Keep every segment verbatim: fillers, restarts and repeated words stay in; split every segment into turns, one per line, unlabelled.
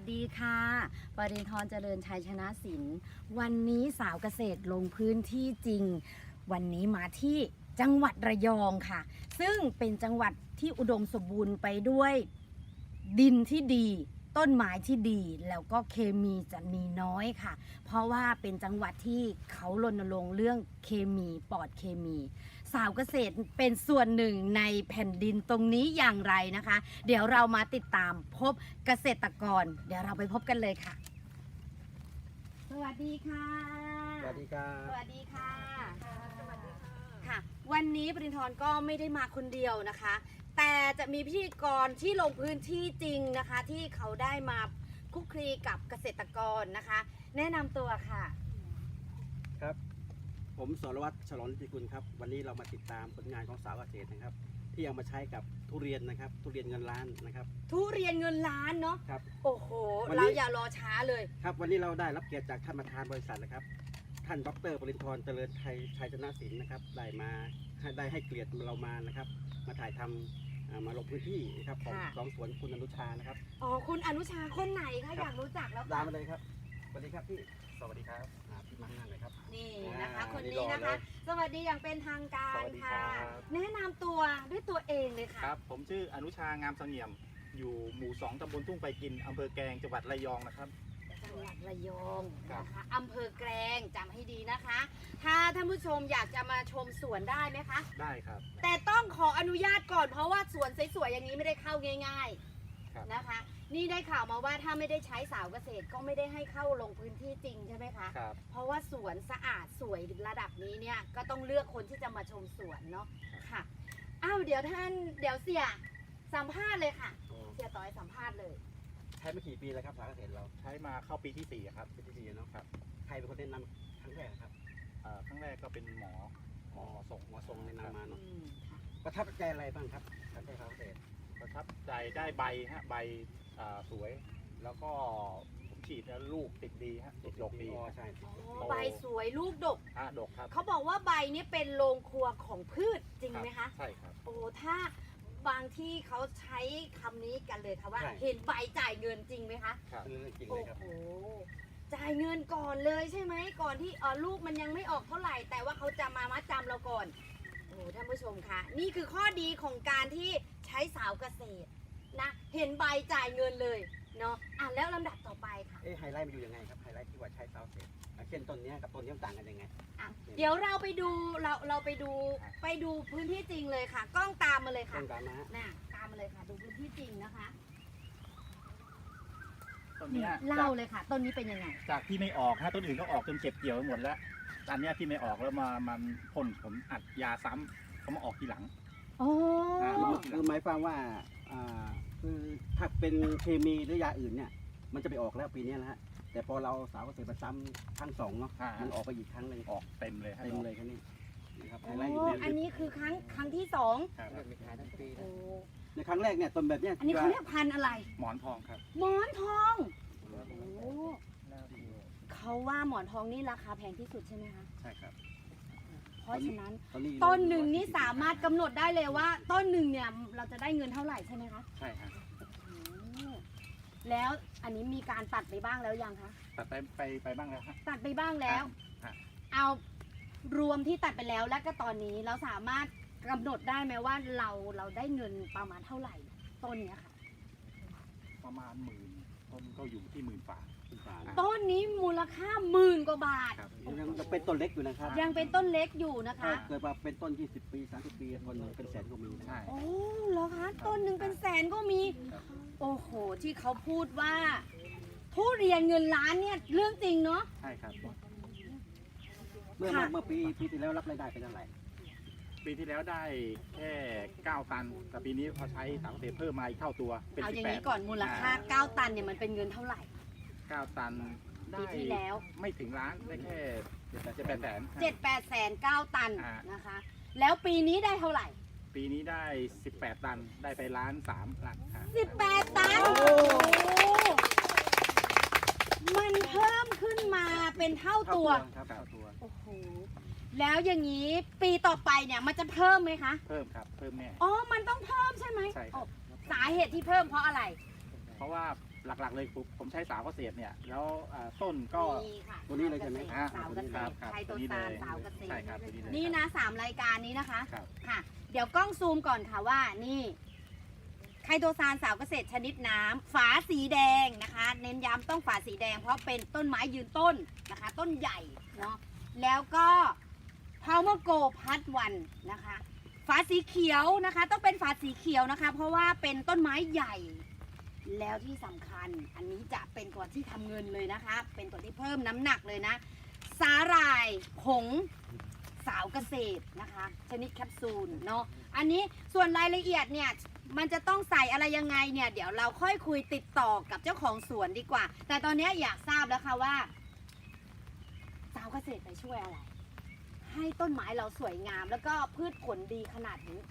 ดีค่ะปริณธรเจริญชัยชนะศิลป์วันนี้สาวเกษตรลงพื้นที่จริงวันนี้มาที่จังหวัดระยองค่ะซึ่งเป็นจังหวัดที่อุดมสมบูรณ์ไปด้วยดินที่ดีต้นไม้ที่ดีแล้วก็เคมีจะมีน้อยค่ะเพราะว่าเป็นจังหวัดที่เขารณรงค์เรื่องเคมีปลอดเคมีสาวเกษตรเป็นส่วนหนึ่งในแผ่นดินตรงนี้อย่างไรนะคะเดี๋ยวเรามาติดตามพบเกษตรกรเดี๋ยวเราไปพบกันเลยค่ะสวัสดีค่ะ
สวัสดีครับ
สวัสดีค่ะค่ะวันนี้ปริณธรก็ไม่ได้มาคนเดียวนะคะแต่จะมีพิธีกรที่ลงพื้นที่จริงนะคะที่เขาได้มาคลุกคลีกับเกษตรกรนะคะ แนะนำตัวค่ะ
ครับผมสรวัตรฉลองนิติกุลครับวันนี้เรามาติดตามผลงานของสาวเกษตรนะครับที่เอามาใช้กับทุเรียนนะครับทุเรียนเงินล้านนะครับ
ทุเรียนเงินล้านเนาะ
ครับ
โอ้โห
วันนี้
เราอย่ารอช้าเลย
ครับวันนี้เราได้รับเกียรติจากท่านประธานบริษัทนะครับท่านดรปริณธรเจริญชัยชัยชนะศิลป์นะครับได้มาให้ได้ให้เกียรติเรามานะครับมาถ่ายทำอ่ามาลงพื้นที่นะครับของ
ค่ะ
ของสวนคุณอนุชานะครับ
อ๋อคุณอนุชาคนไหนคะ
ครับ
อยากรู้จักแล้ว
ตาม
ค่ะ
มาเลยครับสวัสดีครับพี่สวัสดีครับอ่าพี่มาข้างหน้าเลยครับ
นี่นะคะ
อ่า
คน
นี่
นี้
รอ
นะคะ
เลย
สวัสดีอย่างเป็นทางการ
สวัสดี
ค่ะ
ครับ
แนะนำตัวด้วยตัวเองเลยค่ะ
ครับผมชื่ออนุชางามเสงี่ยม อยู่หมู่สองตำบลทุ่งไปกินอำเภอแกลงจังหวัดระยองนะครับ
จังหวัดระยอง
ครับ
นะคะอำเภอแกลงจำให้ดีนะคะ ถ้าท่านผู้ชมอยากจะมาชมสวนได้ไหมคะ
ได้ครับ
แต่ต้องขออนุญาตก่อนเพราะว่าสวนสวยๆอย่างนี้ไม่ได้เข้าง่าย
ครับ
ๆนะคะ นี่ได้ข่าวมาว่าถ้าไม่ได้ใช้สาวเกษตรก็ไม่ได้ให้เข้าลงพื้นที่จริงใช่ไหมคะ
ครับ
เพราะว่าสวนสะอาดสวยระดับนี้เนี่ยก็ต้องเลือกคนที่จะมาชมสวนเนาะค่ะอ้าวเดี๋ยวท่านเดี๋ยวเสียสัมภาษณ์เลยค่ะ เสียต่อยสัมภาษณ์เลย
ใช้มากี่ปีแล้วครับสาวเกษตรเรา
ใช้มาเข้าปีที่สี่ครับ
เป็นที่ดีเนาะครับใครเป็นคนแนะนำครั้งแรกครับ
เอ่อครั้งแรกก็เป็นหมอหมอส่ง
หมอทรงแนะนำมา
อื
เนาะ
มค่ะ
ประทับใจอะไรบ้างครับการใช้สาวเกษตร
ประทับใจได้ใบฮะใบอ่าสวย แล้วก็ผมฉีดแล้วลูกติดดีฮะติดดกดี
อ๋อ
ครับ
ใช่
อ๋อ
โต
ใบสวยลูกดก
อ่ะดกครับ
เขาบอกว่าใบนี้เป็นโรงครัวของพืชจริงไหมคะ
ใช่ครับ
โอ้ถ้าบางที่เขาใช้คำนี้กันเลยค่ะว่า
ใช่
เห็นใบจ่ายเงินจริงไหมคะ
ครับ
เป็นเรื่องจริงเล
โอ้
ยครับ
โหจ่ายเงินก่อนเลยใช่ไหมก่อนที่เออลูกมันยังไม่ออกเท่าไหร่ แต่ว่าเขาจะมามัดจำเราก่อนโอ้โหท่านผู้ชมคะนี่คือข้อดีของการที่ใช้สาวเกษตรนะเห็นใบจ่ายเงินเลยเนาะอ่ะแล้วลำดับต่อไปค่ะ
เอ๊ะไฮไลท์มันอยู่ยังไงครับไฮไลท์ที่ว่าใช้สาวเกษตรอ่ะเช่นต้นเนี้ยกับต้นนี้มันต่างกันยังไง
อ่ะเดี๋ยวเราไปดูเราเราไปดูไปดูพื้นที่จริงเลยค่ะ กล้องตามมาเลยค่ะ
ต้นตามมาฮะ
น่ะตามมาเลยค่ะ ดูพื้นที่จริงนะคะ
ต้นเนี้ย
เล่าเลยค่ะ ต้นนี้เป็นยังไง
จากที่ไม่ออกฮะต้นอื่นก็ออกจนเก็บเกี่ยวไปหมดแล้วอันเนี้ยที่ไม่ออกแล้วมามันพ่นผมอัดยาซ้ำเขามาออกทีหลัง
โอ้
อ่า
คือหมายความว่าอ่าคือถ้าเป็นเคมีหรือยาอื่นเนี่ย มันจะไปออกแล้วปีนี้นะฮะแต่พอเราสาวเกษตรมาซ้ำครั้งสองเนาะ
อ่ามั
มันออกไปอีกครั้งหนึ่ง
ออกเต็มเลยฮะ
เต็มเลยครับนี่นะครับไฮ
โอ้
ไลท์อยู่
อัน
ใน
นี้คือครั้งครั้งที่สอง
ครับ
มีขายทั้งปี
โอ้
ในครั้งแรกเนี่ยต้นแบบเนี้ย
อันนี้เขาเรียกพันธุ์อะไร
หมอนทองครับ
หมอนทองโอ้เขาว่าหมอนทองนี่ราคาแพงที่สุดใช่ไหมคะ
ใช่ครับ
เพราะฉะนั้น
ตอนนี้
ต้นหนึ่งนี่สามารถกำหนดได้เลยว่า ต้นหนึ่งเนี่ยเราจะได้เงินเท่าไหร่ใช่ไหมคะ
ใช่ครับ
โอ้แล้วอันนี้มีการตัดไปบ้างแล้วยังคะ
ตัดไปไปไปบ้างแล้วฮะ
ตัดไปบ้างแล้ว
ครับ
เอารวมที่ตัดไปแล้วและก็ตอนนี้เราสามารถกำหนดได้ไหมว่าเราเราได้เงินประมาณเท่าไหร่ต้นเนี้ยค่ะ
ประมาณหมื่นต้นก็อยู่ที่หมื่นฝ่า
ฝา
ต้นนี้มูลค่าหมื่นกว่าบาท
ครับ
ยังยังเป็นต้นเล็กอยู่นะครับ
ยังเป็นต้นเล็กอยู่นะคะ
ถ้าเกิดว่าเป็นต้น ยี่สิบ ปี สามสิบ ปีคนเป็นแสนก็มีนะ
ใช่
โอ้เหรอคะต้นหนึ่งเป็นแสนก็มี
ครับ
โอ้โหที่เขาพูดว่าทุเรียนเงินล้านเนี่ยเรื่องจริงเนาะ
ใช่ครับ
เมื่อ
ค่ะ
เมื่อปีปีที่แล้วรับรายได้เป็นเท่าไหร่
ปีที่แล้วได้แค่เก้าตัน แต่ปีนี้พอใช้สารเกษตรเพิ่มมาอีกเท่าตัว เป็น
เอา
สิ
อบ ย่าง
แป
นี้
ด
ก่อนมูลค่าเก้าตันเนี่ยมันเป็นเงินเท่าไหร่
เก้าตันได้
ปีที่แล้ว
ไม่ถึงล้านได้แค่เจ็ดแปดแสน
เจ็ดแปดแสนเก้าตัน
อ่าน
นะคะ แล้วปีนี้ได้เท่าไหร่
ปีนี้ได้สิบแปดตัน ได้ไปล้านสามล้านอ่า
สิบแปดตัน
โอ้
โอ้มันเพิ่มขึ้นมาเป็นเท่าตัว
ครับเท่าตัว
โอ้โห แล้วอย่างนี้ปีต่อไปเนี่ยมันจะเพิ่มไหมคะ
เพิ่มครับ เพิ่มแน่
อ๋อ มันต้องเพิ่มใช่ไหม
ใช่ครับ
สาเหตุที่เพิ่มเพราะอะไร
เพราะว่าหลักๆเลยผมผมใช้สาวเกษตรเนี่ยแล้วอ่าต้นก็
นี่ค่ะ
ตัวนี้เลยใช่ไหม
สาวเกษตร
ครับ
ไทย
ตั
ตัว ว
นี้
ซาน
เลย
สาวเกษตร
ใช่ครับตัวนี้เลย
นี่นะสามรายการนี้นะคะ
ครับ
ค่ะ เดี๋ยวกล้องซูมก่อนค่ะว่านี่ไคโตซานสาวเกษตรชนิดน้ำฝาสีแดงนะคะ เน้นย้ำต้องฝาสีแดง เพราะเป็นต้นไม้ยืนต้นนะคะ ต้นใหญ่เนาะแล้วก็พาวเมอร์โกพัดวันนะคะฝาสีเขียวนะคะ ต้องเป็นฝาสีเขียวนะคะ เพราะว่าเป็นต้นไม้ใหญ่ แล้วที่สำคัญอันนี้จะเป็นตัวที่ทำเงินเลยนะคะ เป็นตัวที่เพิ่มน้ำหนักเลยนะ สาหร่ายผงสาวเกษตรนะคะ ชนิดแคปซูลเนาะอันนี้ส่วนรายละเอียดเนี่ยมันจะต้องใส่อะไรยังไงเนี่ยเดี๋ยวเราค่อยคุยติดต่อกับเจ้าของสวนดีกว่า แต่ตอนนี้อยากทราบแล้วค่ะว่า สาวเกษตรไปช่วยอะไร ให้ต้นไม้เราสวยงาม แล้วก็พืชผลดีขนาดนี้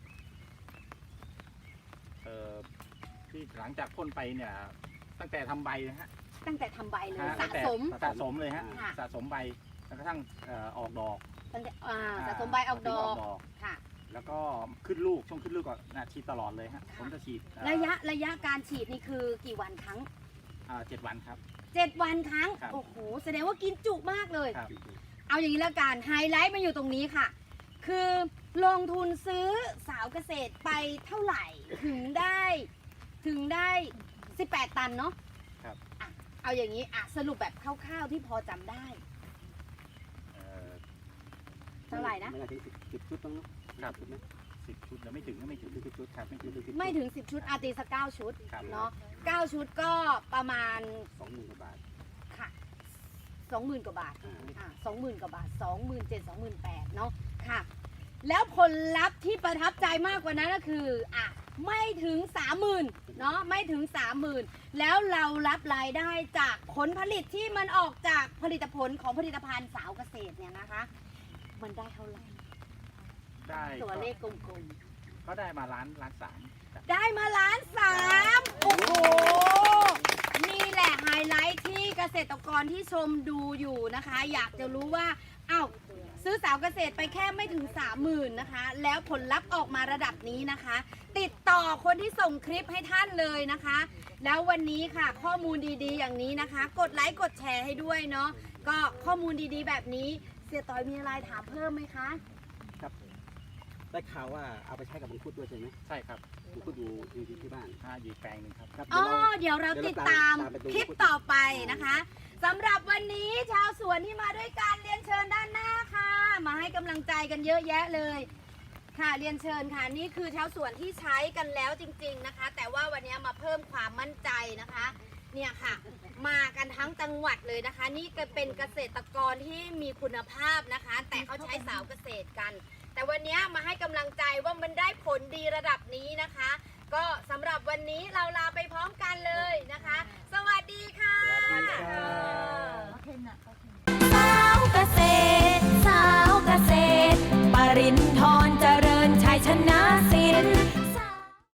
เอ่อที่หลังจากพ่นไปเนี่ยตั้งแต่ทำใบนะฮะ
ตั้งแต่ทำใบเลย
ฮะ
สะ
ตั้งแต่
สม
สะสมเลยฮะ
ค่ะ
สะสมใบจนกระทั่งเอ่อออกดอก
ตั้งแต่อ่าสะสมใบออกดอก
ดอก
ค่ะ
แล้วก็ขึ้นลูกช่วงขึ้นลูกก็นะฉีดตลอดเลยฮะผมจะฉีดเอ่อ
ระยะระยะการฉีดนี่คือกี่วันครั้ง
อ่าเจ็ดวันครับ
เจ็ดวันครั้ง
ครับ
โอ้โห แสดงว่ากินจุมากเลย
ครับ
เอาอย่างนี้แล้วกัน ไฮไลท์มันอยู่ตรงนี้ค่ะ คือลงทุนซื้อสาวเกษตรไปเท่าไหร่ ถึงได้ ถึงได้สิบแปดตันเนาะ
ครับ
อ่ะเอาอย่างนี้อ่ะสรุปแบบคร่าวๆที่พอจำได้
เอ่อ
เท่าไหร่นะ
ไม่น่าถึงสิบสิบชุดต้องเนาะ
ครับ
ชุดไหม
สิบชุดแล้วไม่ถึงก็ไม่ถึงสิบชุดครับไม่ถึง
ไม่ถึงสิบชุดอาตีสักเก้าชุด
ครับ
เนาะเก้าชุดก็ประมาณ
สองหมื่นกว่าบาท
ค่ะสองหมื่นกว่าบาท
อ่า
อ่ะสองหมื่นกว่าบาทสองหมื่นเจ็ดสองหมื่นแปดเนาะค่ะ แล้วผลลัพธ์ที่ประทับใจมากกว่านั้นก็คืออ่ะไม่ถึงสามหมื่นเนาะไม่ถึงสามหมื่นแล้วเรารับรายได้จากผลผลิตที่มันออกจากผลิตผลของผลิตภัณฑ์สาวเกษตรเนี่ยนะคะ มันได้เท่าไหร่
ได้
ตัวเลขกลม
ก็ได้มาล้านล้านสามครับ
ๆ ได้มาล้านสามโอ้โห นี่แหละไฮไลท์ที่เกษตรกรที่ชมดูอยู่นะคะ อยากจะรู้ว่าอ้าวซื้อสาวเกษตรไปแค่ไม่ถึงสามหมื่นนะคะ แล้วผลลัพธ์ออกมาระดับนี้นะคะ ติดต่อคนที่ส่งคลิปให้ท่านเลยนะคะ แล้ววันนี้ค่ะข้อมูลดีๆ อย่างนี้นะคะ กดไลค์กดแชร์ให้ด้วยเนาะก็ข้อมูลดีๆ แบบนี้เสียต่อยมีอะไรถามเพิ่มไหมคะ
ได้ข่าวว่าเอาไปใช้กับมังคุดด้วยใช่ไหม
ใช่ครับ
มังคุดอยู่อยู่ที่บ้าน
ห้าอยู่แปลงหนึ่งครับ
ครับ
อ๋อ
เดี๋ยวเรา
เดี๋ยวเราติดตามคลิปต่อไปนะคะสำหรับวันนี้ชาวสวนที่มาด้วยการเรียนเชิญด้านหน้าค่ะ มาให้กำลังใจกันเยอะแยะเลย ค่ะเรียนเชิญค่ะนี่คือชาวสวนที่ใช้กันแล้วจริง ๆนะคะ แต่ว่าวันนี้มาเพิ่มความมั่นใจนะคะ เนี่ยค่ะ มากันทั้งจังหวัดเลยนะคะ นี่ก็เป็นเกษตรกรที่มีคุณภาพนะคะ แต่เขาใช้สาวเกษตรกัน แต่วันนี้มาให้กำลังใจว่ามันได้ผลดีระดับนี้นะคะ ก็สำหรับวันนี้เราลาไปพร้อมกันเลยนะคะ สวัสดีค่ะ
สวัสดีครับ